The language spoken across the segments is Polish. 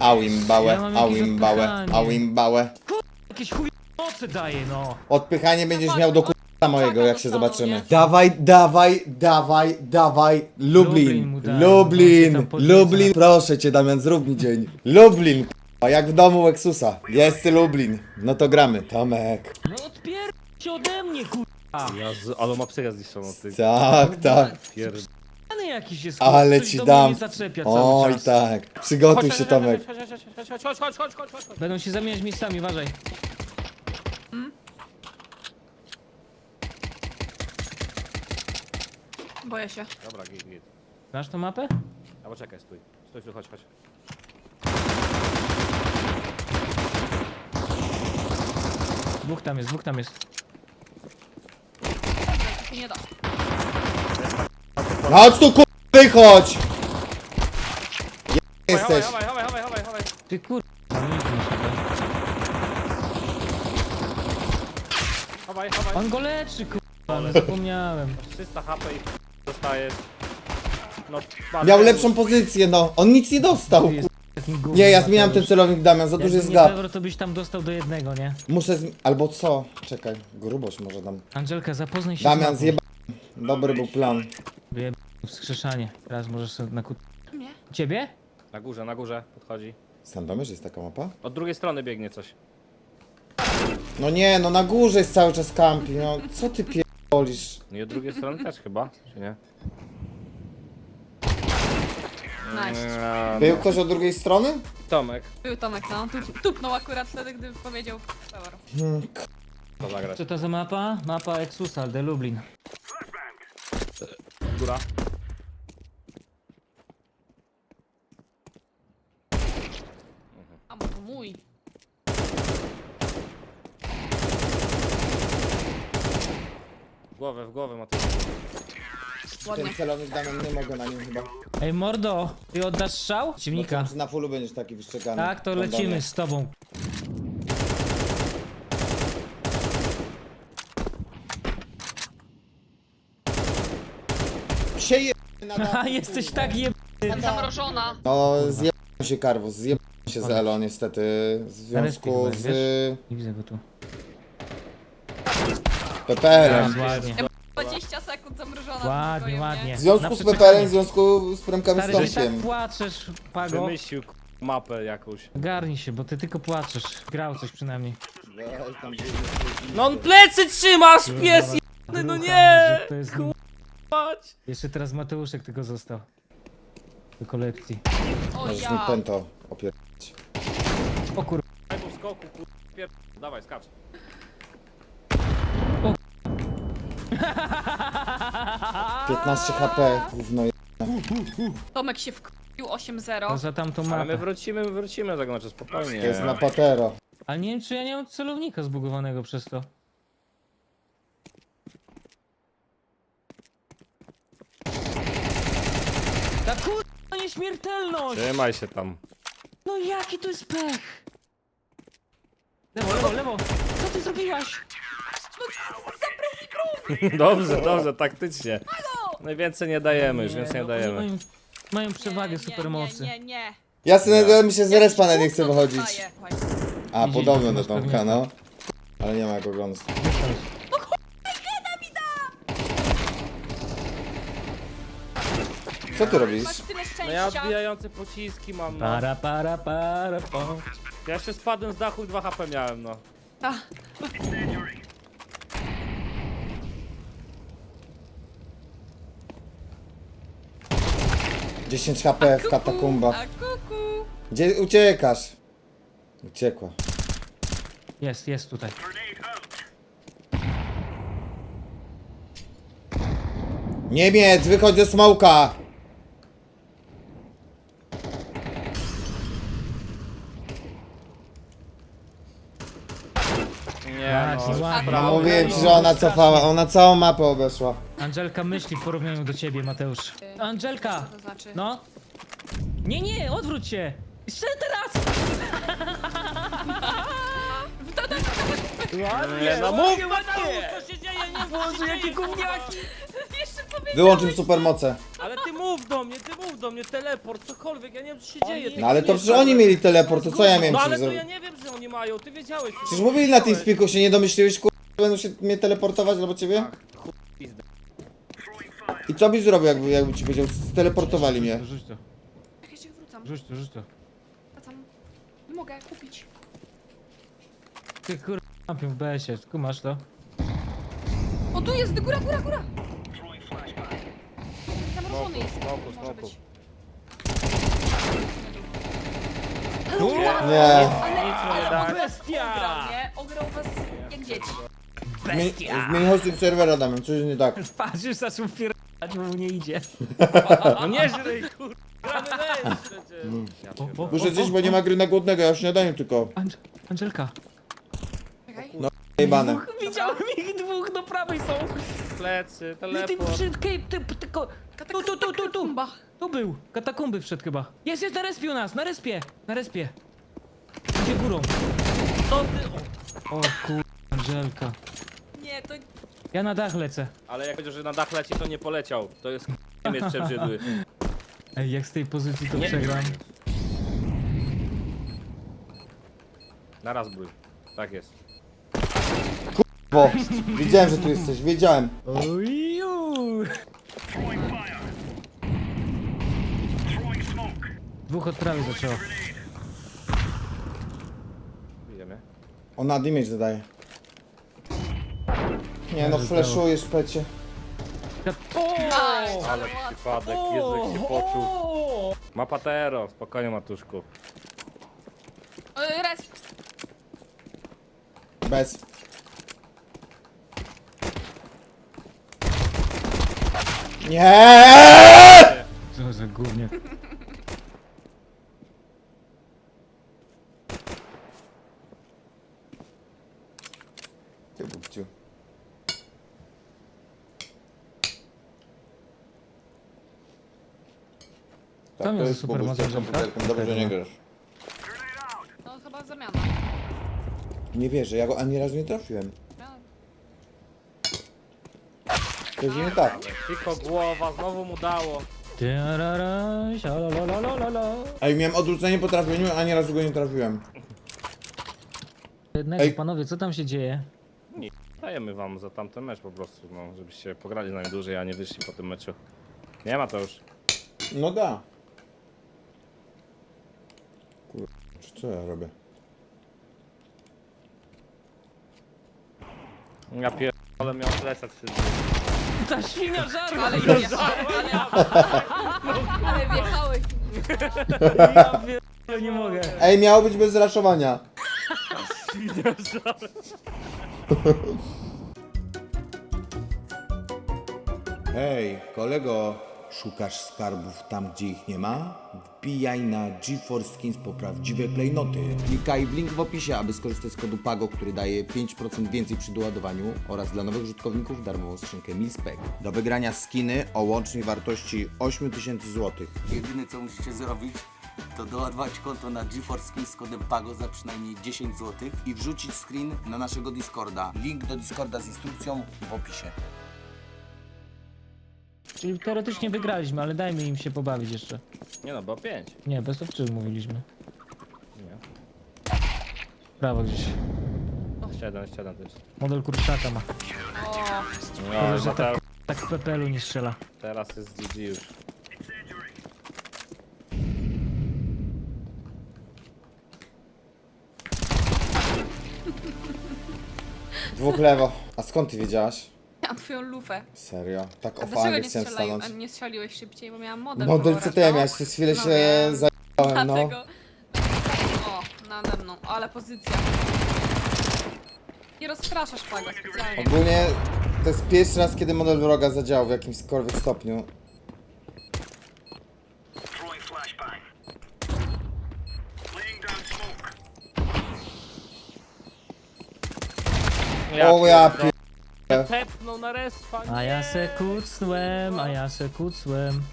Auimbałę, Ja mam jakieś auimbałę, odpychanie. auimbałę. Jakieś chuj mocy daje, no. Odpychanie będziesz miał do k***a mojego, jak się dostaną, zobaczymy. nie? Dawaj, dawaj, dawaj, dawaj. Lublin mu Lublin, daj, on się Lublin, tam podnieca. Lublin. Proszę cię, Damian, zrób mi dzień. Lublin, a jak w domu Lexusa. Jest Lublin. No to gramy. Tomek. No odpierdź się ode mnie, kurwa. Ale ma psychę zniszczoną, ty. Tak, tak. Pierd... Pany jakiś jest, Ale coś ci do dam. mnie zaczepia cały Oj, czas. tak. Przygotuj się, Tomek. Chodź. Będą się zamieniać miejscami, uważaj. Boję się. Dobra, git. Znasz tą mapę? A poczekaj, stój, chodź. Dwóch tam jest. Tu nie da. No chodź tu, k***, wychodź! Jesteś. Chowaj. Ty kurwa. nie masz chyba. Chowaj. On go leczy, kurwa, ale zapomniałem. 300 HP i dostajesz. No, Miał lepszą pozycję, no. On nic nie dostał. Ty jest takim gównem, Nie, ja zmieniam ten Mateusz. celownik, Damian, za duży Jakby jest nie gap. Pewor, to byś tam dostał do jednego, nie? Muszę albo co? Czekaj, grubość może dam. Angelka, zapoznaj się z Damian, mapą. zjeba... Dobry był plan. Wyjeb... wskrzeszanie. Teraz możesz sobie na Nie. Ciebie? Na górze, podchodzi. Sandomierz jest taka mapa? Od drugiej strony biegnie coś. No nie, no na górze jest cały czas campi, no. Co ty pierdolisz? No i od drugiej strony też chyba, czy nie? Nice. Był ktoś od drugiej strony? Tomek, Był Tomek, no. Tupnął akurat wtedy, gdy powiedział Pewor. to zagrać. Co to za mapa? Mapa Exusa, de Lublin. Góra. A może mój. W głowę ma to. Ładnie. Ten celownik, Damian, nie mogę na nim chyba. Ej mordo, ty oddasz strzał? Ciemnika. Na fullu będziesz taki wyszczekany. Tak, to lecimy z tobą. Się je... na Haha, dachu, jesteś kurwa. tak jeb... Zamrożona. No, zjebałem się Karwus, zjebałem się z Elo niestety. W związku Respekt, z... Nie widzę go tu. Peperem. Ładnie. 20 sekund zamrożona. w Ładnie, pokoju, nie? ładnie. W związku Na z przeczekanie. Peperem, w związku z premkami Stary, że tak Tomkiem. płaczesz, Pago. Wymyślił mapę jakąś. Garnij się, bo ty tylko płaczesz. Grał coś przynajmniej. No on plecy trzymasz, pies jebany, no nie! To jest... Chodź! Jeszcze teraz Mateuszek tylko został. Do kolekcji. O Możesz mi ja. pęto opier... O kur... Daj mu skoku, Dawaj, skacz. O. 15 HP, gówno je... Tomek się wkupił To 8-0. za tamtą Ale my mapę. wrócimy do tego, znaczy spokojnie. To jest na patero. Ale nie wiem, czy ja nie mam celownika zbugowanego przez to. Ta kurwa nieśmiertelność! Trzymaj się tam. No jaki to jest pech! Lewo! Co ty zrobiłaś? Dobrze, taktycznie. Najwięcej nie dajemy, już więcej nie no, dajemy. oni mają przewagę supermocy. Nie. Ja sobie mi się z respa nawet nie chcę wychodzić. Dostaję. A, Widzisz, podobno do masz Tomka, pewnie. no. Ale nie ma jak oglądać. Co ty robisz? Masz tyle No ja szczęścia. odbijające pociski mam, no. Para. Ja jeszcze spadłem z dachu i 2 HP miałem, no. Ta. 10 HP w katakumbach. A kuku. Gdzie uciekasz? Uciekła. Jest tutaj. Niemiec, wychodź ze smoka! Nie, Ładnie, ładnie. No mówiłem ci, że ona cofała, ona całą mapę obeszła. Angelka myśli w porównaniu do ciebie, Mateusz. Angelka! To znaczy. No? Nie, odwróć się! Jeszcze teraz! Nie, no mów! Co się dzieje? Nie Boże, jakie gówniaki! Jeszcze powiedział. Wyłącz im supermoce. Ale ty mów! mów do mnie, teleport, cokolwiek, ja nie wiem co się dzieje. No ale to przecież oni mieli teleport, to co ja miałem No ci ale to zrobić? ja nie wiem, że oni mają, ty wiedziałeś. Przecież mówili na tym spiku, się nie domyśliłeś, będą się mnie teleportować albo ciebie? Pizdę. I co byś zrobił, jakby ci powiedział, steleportowali mnie? Rzuć to, Jak ja się wrócam. rzuć to. Wracam. Nie mogę kupić. Ty kurwa, kampią w BS-ie, kumasz to? O, tu jest, góra. Zamrożony jest. Smoku. Może być. Nie. Ale daj. Bestia! ograł was jak dzieci. Zmień hosting serwera, Damian, coś jest nie tak. Patrz, już zaczął pierdać, bo mu nie idzie. No nie żryj, kurwa, gramy weź przecież. Ja pierdolę. Muszę zjeść, bo nie ma gry na głodnego, ja w śniadaniu tylko. Angelka. Czekaj. Jebane. Widziałem ich dwóch, do prawej są. Plecy, Ty teleport. tylko... Tu. Katakumba. Tu był. Katakumby wszedł chyba. Jest na respie u nas, na respie. Idzie górą. Co ty? O kur... Angelka. Nie, to... Ja na dach lecę. Ale jak powiedział, że na dach leci, to nie poleciał. To jest Niemiec przebrzydły. Ej, jak z tej pozycji to Nie. przegram. Naraz bój. Tak jest. Bo wiedziałem, że tu jesteś, wiedziałem. Oju. Dwóch od prawej zaczęło. Idziemy. Ona damage zadaje. Nie no, flashujesz, pecie. Ale przypadek, Jezu jak się poczuł. Ma patero, spokojnie Matuszku. Res. Bez. Nie! Co za gównie. Ty bubciu. Tak, Tam to jest jest super bubciu, moc, komputerkiem, dobrze, że nie grasz. No chyba zamiana. Nie wierzę, ja go ani razu nie trafiłem. To jest nie tak. Tylko głowa, znowu mu dało. Tiarara, sialalalala. Ej, miałem odwrócenie po trafieniu, ani razu go nie trafiłem. Jednego, Ej. panowie, co tam się dzieje? Dajemy wam za tamten mecz po prostu, no, żebyście pograli z nami dłużej, a nie wyszli po tym meczu. Nie ma to już. No da. Kurwa, co ja robię? Ja ale miał plecak się. Ta świnia żarła! Ale wjechałeś. Ja pierdolę, nie mogę. Ej, miało być bez raszowania. Hej, kolego, szukasz skarbów tam, gdzie ich nie ma? Wbijaj na GeForce Skins po prawdziwe klejnoty. Klikaj w link w opisie, aby skorzystać z kodu PAGO, który daje 5% więcej przy doładowaniu oraz dla nowych użytkowników darmową skrzynkę Milspec. Do wygrania skiny o łącznej wartości 8000 zł. Jedyne co musicie zrobić, to doładować konto na GeForce Skins z kodem PAGO za przynajmniej 10 zł i wrzucić screen na naszego Discorda. Link do Discorda z instrukcją w opisie. Czyli teoretycznie wygraliśmy, ale dajmy im się pobawić jeszcze. Nie no, bo 5. Nie, bez of 3 mówiliśmy. Nie. Prawo gdzieś. 7 to jest. Model kurczaka ma. O, No, że Mateusz, Tak w PPL-u nie strzela. teraz jest GG już. Dwóch lewo. A skąd ty wiedziałaś? miałam twoją lufę. Serio? Tak A o dlaczego fangę nie chciałem strzelają, a stanąć. nie strzeliłeś szybciej, bo miałam model. Model kolora, CT no. miałeś, przez chwilę No się wiem. zajebałem, no. Dlatego... O, nade mną, ale pozycja. Nie rozpraszasz Pago specjalnie. Ogólnie to jest pierwszy raz, kiedy model wroga zadziałał w jakimkolwiek stopniu. O ja pierdolę. pier... Tepnął na respa, nie. A ja se kucnłem.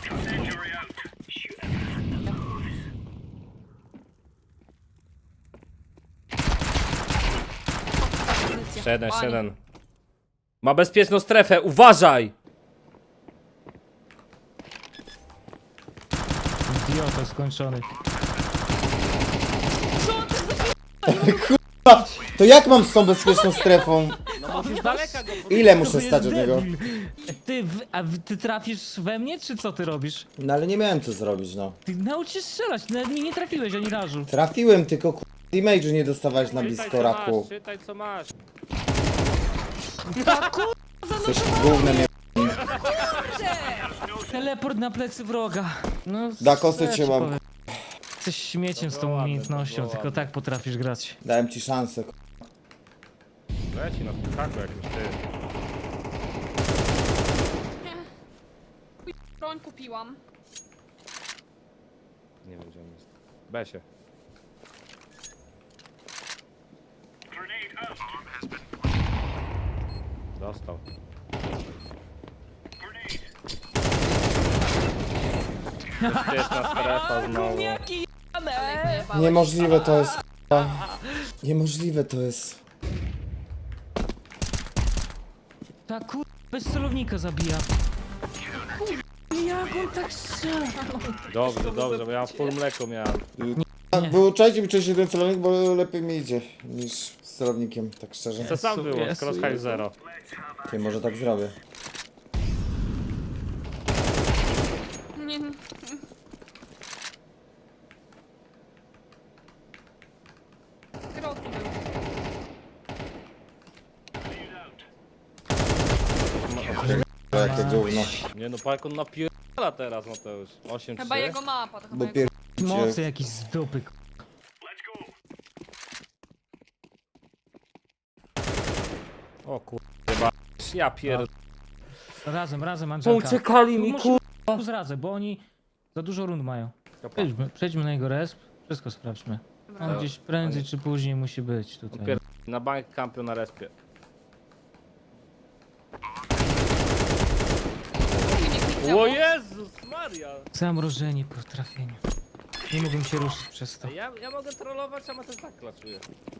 Pozycja. 7. Oni. Ma bezpieczną strefę, uważaj! Idiota skończony. To jak mam z tą bezpieczną strefą? No musisz daleka go Ile To muszę jest stać od niego? debil. Ty trafisz we mnie, czy co ty robisz? No ale nie miałem co zrobić, no. Ty naucz się strzelać, nawet mi nie trafiłeś ani razu. Trafiłem, tylko damage'u nie dostawałeś na blisko, raku. Czytaj co masz. Coś gównem nie... Teleport na plecy wroga. No, Da kosy co cię ci mam, powiem? Jesteś śmieciem z tą ładne, umiejętnością, to było tylko ładne. tak potrafisz grać. Dałem ci szansę. Leci na spychaku jakimś ty. Broń kupiłam. Nie wiem gdzie on jest. Besie. Dostał. Bezpieczna strefa znowu. Gumiaki jane! Zajebałeś. Niemożliwe to jest, k***a. Niemożliwe to jest. Ta kur... bez celownika zabija. Jak on tak strzela? Dobrze, bo ja full mleko miałem. Wyuczajcie mi wcześniej ten celownik, bo lepiej mi idzie niż z celownikiem, tak szczerze. Co sam było? Jezu, Crosshair Jezu. 0. Ty, może tak zrobię. Nie, Kierowcy był. Jakie gówno. Nie no, jak on napierdala teraz Mateusz. 8-3. Chyba jego mapa, to chyba Bo jego... Mocy jakiś z dupy. O kurwa. Ja pierd... Razem, Angelka. Uciekali mi Musimy zradzę, bo oni za dużo rund mają. Przejdźmy na jego resp, wszystko sprawdźmy. On gdzieś prędzej czy później musi być tutaj. Pierd... Na bank kampion na respie. O Jezus Maria! Zamrożenie po trafieniu. Nie mógłbym się ruszyć przez to. Ja mogę trollować, a Mateusz tak klaczuje.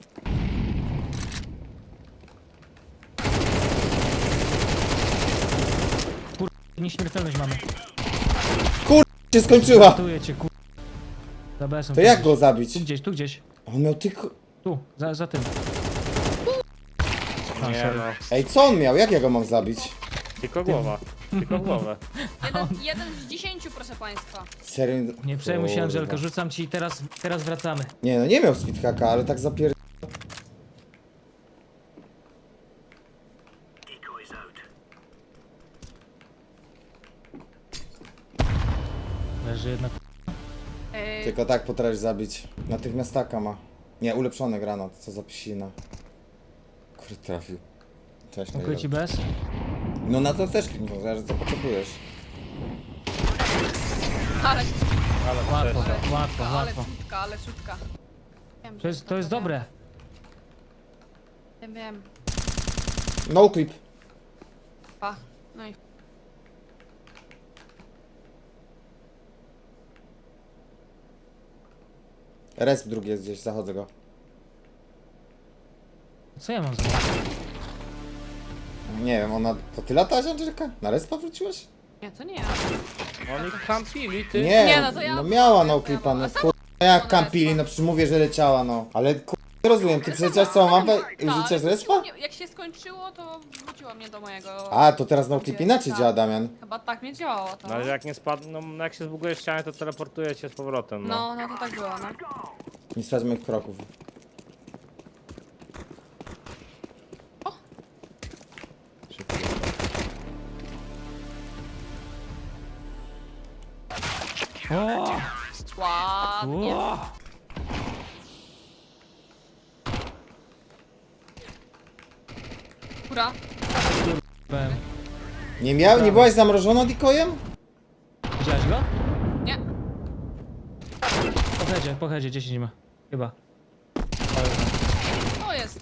Nieśmiertelność mamy. Się skończyła! Ratuję cię, kur... Za BS-em. To jak go zabić? Tu gdzieś. On miał tylko... Tu, za tym. Nie no, Ej, co on miał? Jak ja go mam zabić? tylko głowa. Tylko głowę. Jeden z 10, proszę państwa. Serio? Nie przejmuj się, Kurwa. Angelka, rzucam ci i teraz wracamy. Nie no, nie miał speedhacka, ale tak zapier... Leży jedna. Tylko tak potrafisz zabić. Natychmiastaka ma. Nie, ulepszony granat, co za psina. Kurde, trafił. Cześć, Dziękuję ci bez. No na co chcesz, Klingo, zależy co potrzebujesz. Ale, Ale Łatwo. ale szutka. Wiem, To że jest dobre. Wiem. No clip. Pa. No i... Resp drugi jest gdzieś, zachodzę go. Co ja mam zrobić? Nie wiem, ona... To ty latałaś, Angelika? Na respa wróciłeś? Nie, to nie ja. Oni kampili, ty. Nie, Nie, no to ja- miała no ja clipa, no byłam. kur... Jak Ona kampili, respa. no przecież mówię, że leciała, no. Ale kur... Nie rozumiem, ty przeleciałaś całą mapę i Tak, wrzuciłaś ale respa? mnie- Jak się skończyło, to wróciło mnie do mojego... A, to teraz no clip inaczej Tak. działa, Damian. Chyba tak mnie działało to. No ale jak nie spadł, no jak się zbuguje ścianę, to teleportuje cię z powrotem, no. No to tak było, no. Nie sprawdź moich kroków. Szybko. O! Ładnie. O! Kura. Powiem. Nie byłaś zamrożona dikojem? Widziałeś go? Nie. Po headzie, 10 ma. Chyba. To jest.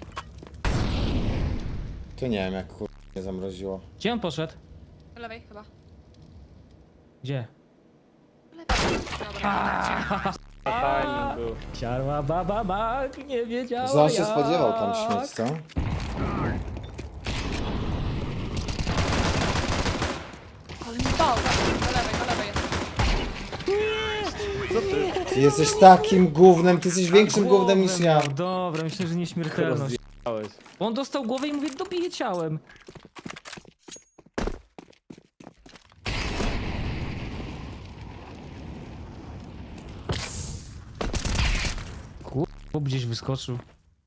To nie wiem, jak kur... nie zamroziło. Gdzie on poszedł? Po lewej chyba. Gdzie? Po lewej. Dobra, Timing był. Siarła baba mag, nie wiedziała Że on się jak. spodziewał tam śmieć, co? ale mi dał. Po lewej jest. Ty jesteś takim gównem, ty jesteś większym Głowę gównem niż ja. miał. Dobra, myślę, że nieśmiertelność. Rozjechałeś. On dostał głowę i mówię, dobiję ciałem. Chłop gdzieś wyskoczył.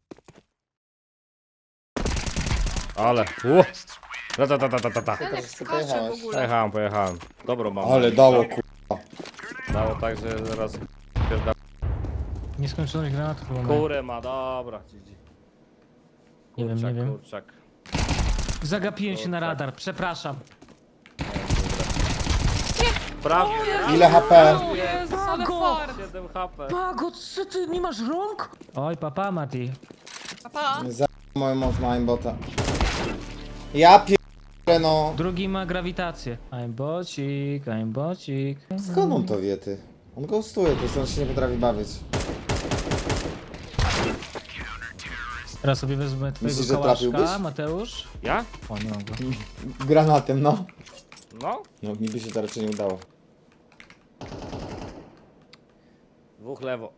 Ale, Ta. Ten skacze w ogóle. Pojechałem. Dobro mam. Ale dało ku... Dało tak, że zaraz pierda... Nieskończoność granatów chyba ma. Kurę ma, dobra. GG. Nie wiem, nie wiem. Kurczak. Zagapiłem się na radar, przepraszam. Prawie. Ile HP? O Jezus, ale Pago! fart. 7 HP. Pago, co ty, nie masz rąk? Oj, papa, Mati. Papa. Za moją moc ma aimbota. Ja pierdolę no. Drugi ma grawitację. I'm bocik. Skąd on to wie ty? On ghostuje, to on się nie potrafi bawić. Teraz sobie wezmę twojego Myślisz, że kałaszka, trafiłbyś? Mateusz. Ja? O, nie mogę. Granatem, no. No. No, mi by się to raczej nie udało. Dwóch lewo.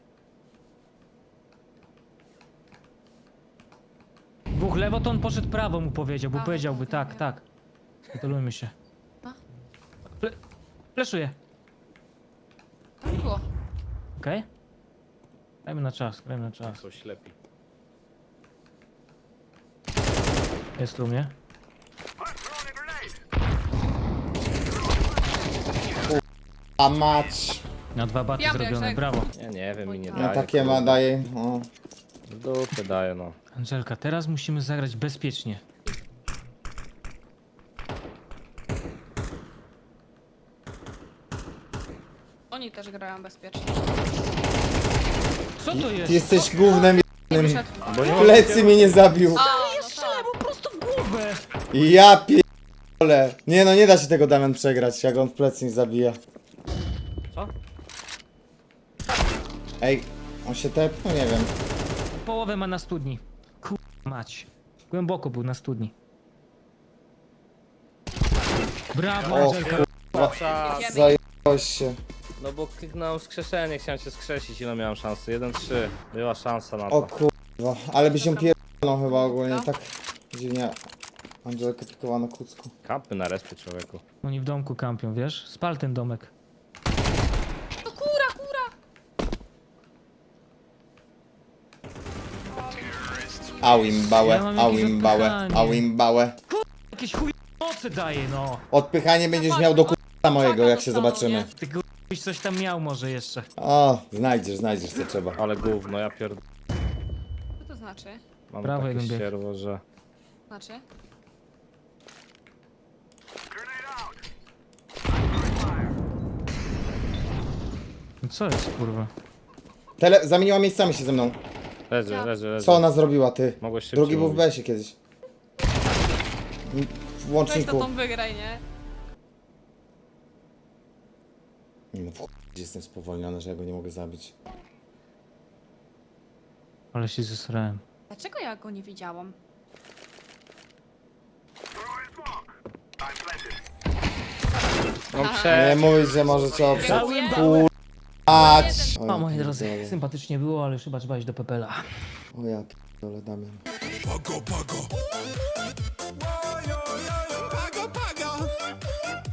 Dwóch lewo, to on poszedł prawo, mu powiedział, bo A, powiedziałby tak, tak, tak. tak. Kontrolujmy się. A? Fleszuję. Tak było. Okej? Grajmy na czas, grajmy na czas. Są ślepi. Jest u mnie. A mać. Na 2 baty Ja zrobione, bierzę. brawo. Ja nie wiem i nie Ja daje. Ja takie ma daje. O. W dupę daje, no. Angelka, teraz musimy zagrać bezpiecznie. Oni też grają bezpiecznie. Co to jest? Ty jesteś gównem Nie wyszedł. Bo nie plecy mnie nie zabił. A, Ja strzelałem mu prosto w głowę! Ja pierdolę. Nie no, nie da się tego Damian przegrać, jak on w plecy nie zabija. Co? Ej, on się tepnął? Nie wiem. Połowę ma na studni. Mać. Głęboko był na studni. Brawo, O Angelka. Jedziemy. Zajebałeś się. No bo kliknąłem wskrzeszenie, chciałem się skrzesić, ile miałem szansy? 1-3. Była szansa na O to. kurwa, ale by się pierdolą chyba ogólnie, tak dziwnie. Angelkę pikowano kucku. Kampy na respie, człowieku. Oni w domku kampią, wiesz? Spal ten domek. To kura, kura. Awimbałę, Ja mam jakieś awimbałę, odpychanie. awimbałę. Jakieś chuj mocy daje, no! Odpychanie będziesz miał do kurwa mojego, jak się zobaczymy. Ty byś coś tam miał może jeszcze. O, znajdziesz co trzeba. Ale gówno, ja Co to znaczy? mam Brawo, takie jeden bieg. ścierwo, że... Znaczy? No co jest, kurwa? Zamieniła miejscami się ze mną. Leży. Co ona zrobiła, ty? Mogłeś szybciej Drugi był w mówić. besie kiedyś. W Weź to łączniku. tą wygraj, nie? Nie no, w chuj jestem spowolniony, że ja go nie mogę zabić. Ale się zesrałem. Dlaczego ja go nie widziałam? No Nie mówić, że możecie oprzeć. Dziękuję. Ać! O, moi drodzy, sympatycznie było, ale już chyba trzeba iść do Pepela. O ja p***dolę, Damian. Pago, pago.